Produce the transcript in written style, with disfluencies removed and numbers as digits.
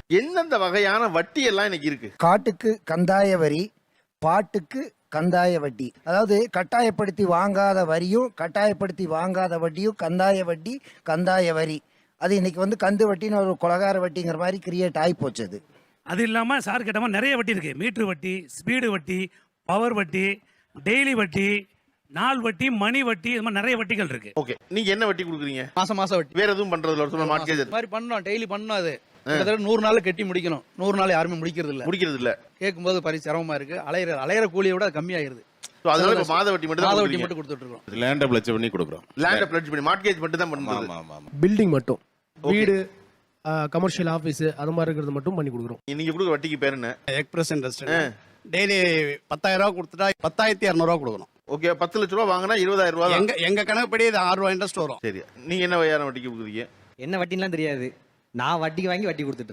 எந்தெந்த வகையான வட்டி எல்லாம் இன்னைக்கு இருக்கு? காட்டுக்கு கந்தாய வரி, பாட்டுக்கு கந்தாய வட்டி. அதாவது கட்டாயப்படுத்தி வாங்காத வரியும் கட்டாயப்படுத்தி வாங்காத வட்டியும் கந்தாய வட்டி, கந்தாய வரி. அது இன்னைக்கு வந்து கந்து வட்டின்னு ஒரு கொலகார வட்டிங்கிற மாதிரி கிரியேட் ஆகி போச்சு. அது அது இல்லாமல் சார் கேட்ட மாதிரி நிறைய வட்டி இருக்குது. மீட்ரு வட்டி, ஸ்பீடு வட்டி, பவர் வட்டி, டெய்லி வட்டி, நாள் வட்டி, மணி வட்டி, இது மாதிரி நிறைய வட்டிகள் இருக்கு. ஓகே, நீங்க என்ன வட்டி கொடுக்குறீங்க? மாசம் வட்டி. வேற எதுவும் பண்றதுல ஒரு சொல்ல மார்க்கேஜ் இது மாதிரி பண்ணோம், டெய்லி பண்ணோம். அது கிட்டத்தட்ட 100 நாள் கட்டி முடிக்கணும். 100 நாள் யாருமே முடிக்கிறது இல்ல. கேட்கும்போது சிரமமா இருக்கு. அலையிற கூலியை விட கம்மியாயிருது. அதனால இப்ப மாத வட்டி மட்டும் கொடுத்துட்டு இருக்கோம். லேண்ட பிளட்ஜ் பண்ணி கொடுக்குறோம். லேண்ட பிளட்ஜ் பண்ணி மார்க்கேஜ் மட்டும் தான் பண்றது. பில்டிங் மட்டும், வீடு, கமர்ஷியல் ஆபீஸ் அது மாதிரி இருக்கிறது மட்டும் பண்ணி கொடுக்குறோம். நீங்க கொடுக்குற வட்டிக்கு பேர் என்ன? Express industry. டெய்லி 10,000 ரூபாய் கொடுத்துட்டா 10,200 ரூபாய் கொடுக்கணும். ஓகே, 10 லட்ச ரூபா வாங்கினா 20,000 ரூபாய். எங்க கணக்குப்படி இது 6 ரூபாய் இன்ட்ரெஸ்ட் வரும். சரி, நீங்க என்ன வகையான வட்டிக்கு கொடுக்குறீங்க? என்ன வட்டின்லாம் தெரியாது. நான் வட்டிக்கு வாங்கி வட்டி கொடுத்துட்டு